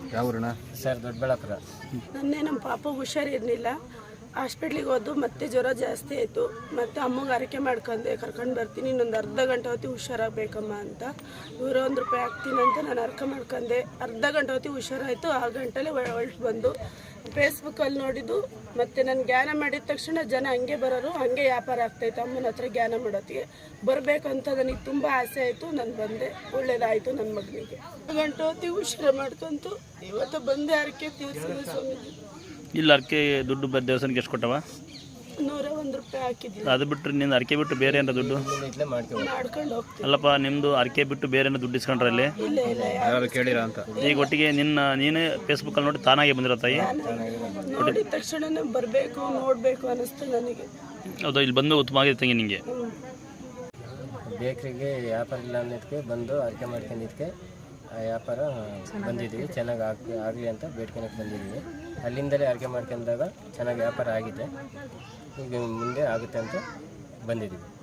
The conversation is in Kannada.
ಯಾವ ಊರಣ್ಣ? ಸರ್ ದೊಡ್ಡಬಳ್ಳಾಪುರ. ನಮ್ಮ ಪಾಪ ಹುಷಾರಿರಲಿಲ್ಲ, ಹಾಸ್ಪಿಟ್ಲಿಗೆ ಹೋದು ಮತ್ತೆ ಜ್ವರ ಜಾಸ್ತಿ ಆಯಿತು. ಮತ್ತು ಅಮ್ಮಗೆ ಅರಕೆ ಮಾಡ್ಕೊಂಡೆ, ಕರ್ಕೊಂಡು ಬರ್ತೀನಿ ಇನ್ನೊಂದು ಅರ್ಧ ಗಂಟೆ ಹೊತ್ತಿಗೆ ಹುಷಾರಾಗಬೇಕಮ್ಮ ಅಂತ. ಇವರು ₹1 ಹಾಕ್ತೀನಿ ಅಂತ ನಾನು ಅರ್ಕೆ ಮಾಡ್ಕೊಂಡೆ. ಅರ್ಧ ಗಂಟೆ ಹೊತ್ತಿಗೆ ಹುಷಾರಾಯಿತು. ಆ ಗಂಟೆಲೆ ಹೊರಟು ಬಂದು ಫೇಸ್ಬುಕ್ಕಲ್ಲಿ ನೋಡಿದ್ದು. ಮತ್ತು ನಾನು ಜ್ಞಾನ ಮಾಡಿದ ತಕ್ಷಣ ಜನ ಹಂಗೆ ಬರೋರು, ಹಂಗೆ ವ್ಯಾಪಾರ ಆಗ್ತಾಯಿತ್ತು. ಅಮ್ಮನ ಹತ್ರ ಜ್ಞಾನ ಮಾಡೋತ್ತಿಗೆ ಬರಬೇಕಂತ ನನಗೆ ತುಂಬ ಆಸೆ ಆಯಿತು. ನಾನು ಬಂದೆ, ಒಳ್ಳೇದಾಯಿತು ನನ್ನ ಮಗನಿಗೆ. ಗಂಟೆ ಹೊತ್ತಿಗೆ ಹುಷಾರು ಮಾಡ್ಕೊಂತು ಇವತ್ತು ಬಂದೆ ಅರಕೆ ತೀರ್ಸಿದೆ ಸ್ವಾಮೀಜಿ. ಇಲ್ಲ ಅರ್ಕೆ ದುಡ್ಡು ದೇವಸ್ಥಾನಕ್ಕೆ ಎಷ್ಟು ಕೊಟ್ಟವ? ₹101 ಹಾಕಿದ್ದೀನಿ. ಅದು ಬಿಟ್ಟರೆ ನಿಂದು ಅರ್ಕೆ ಬಿಟ್ಟು ಬೇರೆ ಏನೋ ದುಡ್ಡು ಮಾಡ್ಕೊಂಡು ಹೋಗ್ತೀನಿ. ಅಲ್ಲಪ್ಪ, ನಿಮ್ಮದು ಅರ್ಕೆ ಬಿಟ್ಟು ಬೇರೆ ಏನೋ ದುಡ್ಡು ಇಸ್ಕೊಂಡ್ರೆ ಅಲ್ಲಿ ಇಲ್ಲ ಇಲ್ಲ ಯಾರು ಕೇಳಿರ ಅಂತ? ಈಗ ಒಟ್ಟಿಗೆ ನೀನೇ ಫೇಸ್ಬುಕ್ಕಲ್ಲಿ ನೋಡಿ ತಾನಾಗೆ ಬಂದಿರೋ ತಾಯಿ? ನೋಡಿದ ತಕ್ಷಣ ಬರಬೇಕು ನೋಡಬೇಕು ಅನ್ನಿಸ್ತು ನನಗೆ. ಹೌದಾ? ಇಲ್ಲಿ ಬಂದು ಉತ್ತಮ ಆಗಿದೆ ತಂಗಿ ನಿಮಗೆ? ಬೇಕ್ರಿಗೆ ವ್ಯಾಪಾರ ಇಲ್ಲ ಅನ್ನೋದಕ್ಕೆ ಬಂದು ಅರ್ಕೆ ಮಾಡ್ಕೊಂಡಿದ್ದಕ್ಕೆ ಆ ವ್ಯಾಪಾರ ಬಂದಿದ್ದೀವಿ. ಚೆನ್ನಾಗಿ ಆಗಲಿ ಅಂತ ಬೇಡ್ಕೊಳಕ್ಕೆ ಬಂದಿದ್ದೀವಿ. ಅಲ್ಲಿಂದಲೇ ಅರ್ಕೆ ಮಾಡ್ಕೊಂಡಾಗ ಚೆನ್ನಾಗಿ ವ್ಯಾಪಾರ ಆಗಿದೆ. ಈಗ ಮುಂದೆ ಆಗುತ್ತೆ ಅಂತ ಬಂದಿದ್ದೀವಿ.